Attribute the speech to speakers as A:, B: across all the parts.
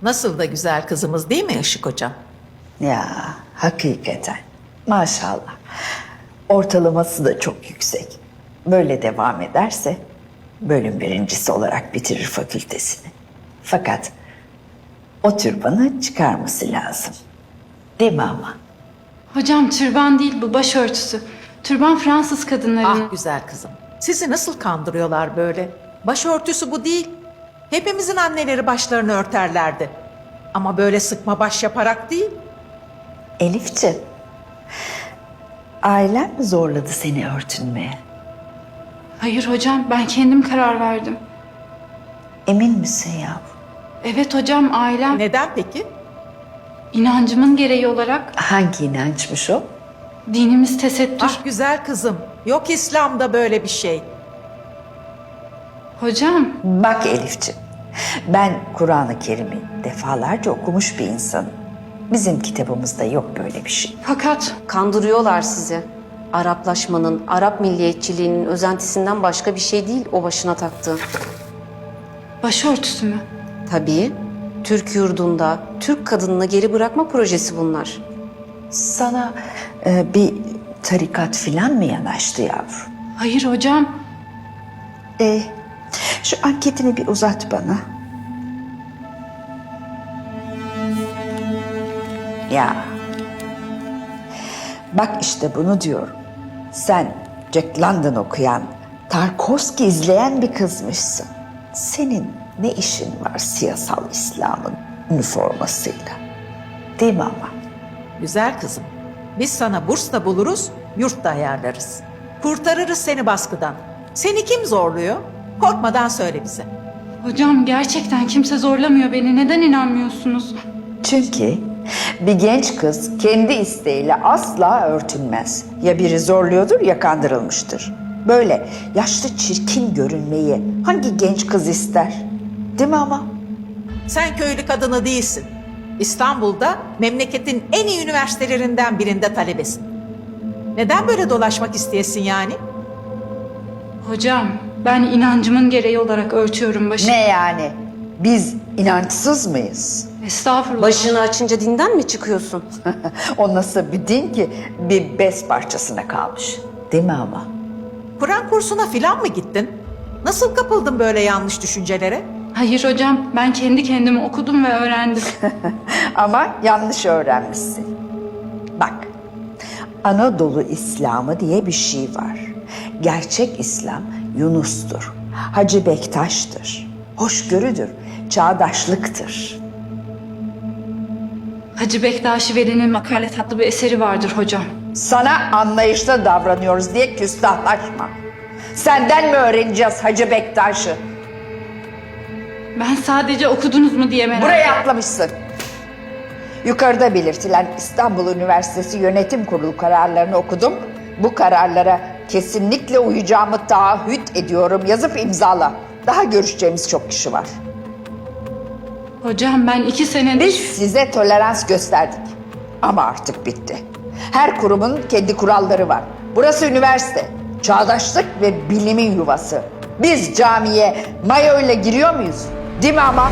A: Nasıl da güzel kızımız değil mi Işık hocam?
B: Ya hakikaten maşallah. Ortalaması da çok yüksek. Böyle devam ederse bölüm birincisi olarak bitirir fakültesini. Fakat o türbanı çıkarması lazım. Değil mi ama?
C: Hocam türban değil bu, başörtüsü. Türban Fransız kadınlarının.
A: Ah güzel kızım. Sizi nasıl kandırıyorlar böyle? Başörtüsü bu değil. Hepimizin anneleri başlarını örterlerdi. Ama böyle sıkma baş yaparak değil.
B: Elifciğim, ailen mi zorladı seni örtünmeye?
C: Hayır hocam, ben kendim karar verdim.
B: Emin misin yavrum?
C: Evet hocam, ailem
A: Neden peki?
C: inancımın gereği olarak
B: Hangi inançmış o?
C: dinimiz tesettür.
A: Ah güzel kızım. Yok İslam'da böyle bir şey.
C: Hocam,
B: Bak Elifciğim, ben Kur'an-ı Kerim'i defalarca okumuş bir insanım. Bizim kitabımızda yok böyle bir şey.
C: fakat
D: Kandırıyorlar sizi. Araplaşmanın, Arap milliyetçiliğinin özentisinden başka bir şey değil o başına taktığı.
C: başörtüsü mü?
D: Tabii, Türk yurdunda Türk kadınını geri bırakma projesi bunlar.
B: Sana bir tarikat filan mı yanaştı yavrum?
C: Hayır hocam.
B: Şu anketini bir uzat bana. Ya. Bak işte bunu diyorum. Sen Jack London okuyan, Tarkovski izleyen bir kızmışsın. Senin ne işin var siyasal İslam'ın üniformasıyla? Değil mi ama?
A: Güzel kızım. Biz sana burs da buluruz, yurt da ayarlarız. Kurtarırız seni baskıdan. Seni kim zorluyor? Korkmadan söyle bize.
C: Hocam gerçekten kimse zorlamıyor beni. Neden inanmıyorsunuz?
B: Çünkü bir genç kız kendi isteğiyle asla örtünmez. Ya biri zorluyordur ya kandırılmıştır. Böyle yaşlı çirkin görünmeyi hangi genç kız ister? Değil mi ama?
A: Sen köylü kadını değilsin. İstanbul'da memleketin en iyi üniversitelerinden birinde talebesin. Neden böyle dolaşmak isteyesin yani?
C: Hocam ben inancımın gereği olarak örtüyorum başımı.
B: Ne yani? Biz inançsız mıyız?
C: Estağfurullah.
D: Başını açınca dinden mi çıkıyorsun?
B: O nasıl bir din ki bir bez parçasına kalmış? Değil mi ama?
A: Kur'an kursuna filan mı gittin? Nasıl kapıldın böyle yanlış düşüncelere?
C: Hayır hocam, ben kendi kendime okudum ve öğrendim.
B: Ama yanlış öğrenmişsin. Bak, Anadolu İslamı diye bir şey var. Gerçek İslam Yunus'tur, Hacı Bektaş'tır, hoşgörüdür, çağdaşlıktır.
C: Hacı Bektaş Veli'nin Makalet adlı bir eseri vardır hocam.
B: Sana anlayışlı davranıyoruz diye küstahlaşma. Senden mi öğreneceğiz Hacı Bektaş'ı?
C: Ben sadece okudunuz mu diye merak
B: Buraya
C: ettim.
B: atlamışsın. Yukarıda belirtilen İstanbul Üniversitesi Yönetim Kurulu kararlarını okudum. Bu kararlara kesinlikle uyacağımı taahhüt ediyorum. Yazıp imzala. Daha görüşeceğimiz çok kişi var.
C: Hocam ben 2 senedir...
B: Biz size tolerans gösterdik. Ama artık bitti. Her kurumun kendi kuralları var. Burası üniversite. Çağdaşlık ve bilimin yuvası. Biz camiye mayo ile giriyor muyuz? Değil mi ama?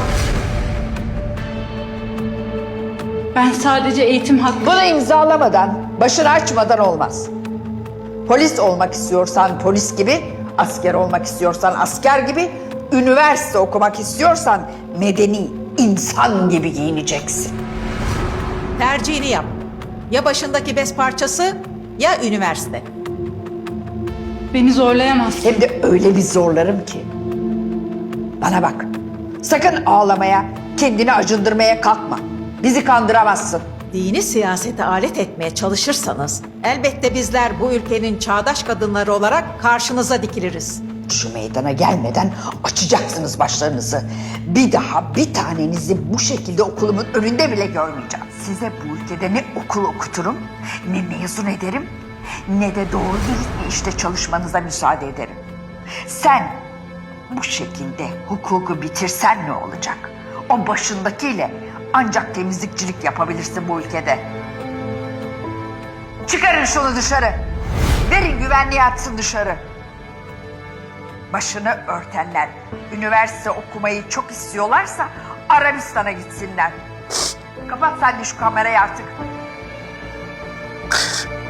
C: Ben sadece eğitim hakkı...
B: Bunu imzalamadan, başını açmadan olmaz. Polis olmak istiyorsan polis gibi, asker olmak istiyorsan asker gibi, üniversite okumak istiyorsan medeni, insan gibi giyineceksin.
A: Tercihini yap. Ya başındaki bez parçası ya üniversite.
C: Beni zorlayamazsın.
B: Hem de öyle bir zorlarım ki. Bana bak, sakın ağlamaya, kendini acındırmaya kalkma. Bizi kandıramazsın.
A: Dini siyasete alet etmeye çalışırsanız elbette bizler bu ülkenin çağdaş kadınları olarak karşınıza dikiliriz.
B: Şu meydana gelmeden açacaksınız başlarınızı. Bir daha bir tanenizi bu şekilde okulumun önünde bile görmeyeceğim. Size bu ülkede ne okul okuturum, ne mezun ederim, ne de doğru dürüst bir işte çalışmanıza müsaade ederim. Sen bu şekilde hukuku bitirsen ne olacak? O başındakiyle ancak temizlikçilik yapabilirsin bu ülkede. Çıkarın şunu dışarı. Verin güvenliğe atsın dışarı. Başını örtenler üniversite okumayı çok istiyorlarsa Arabistan'a gitsinler. Kapat sen de şu kamerayı artık.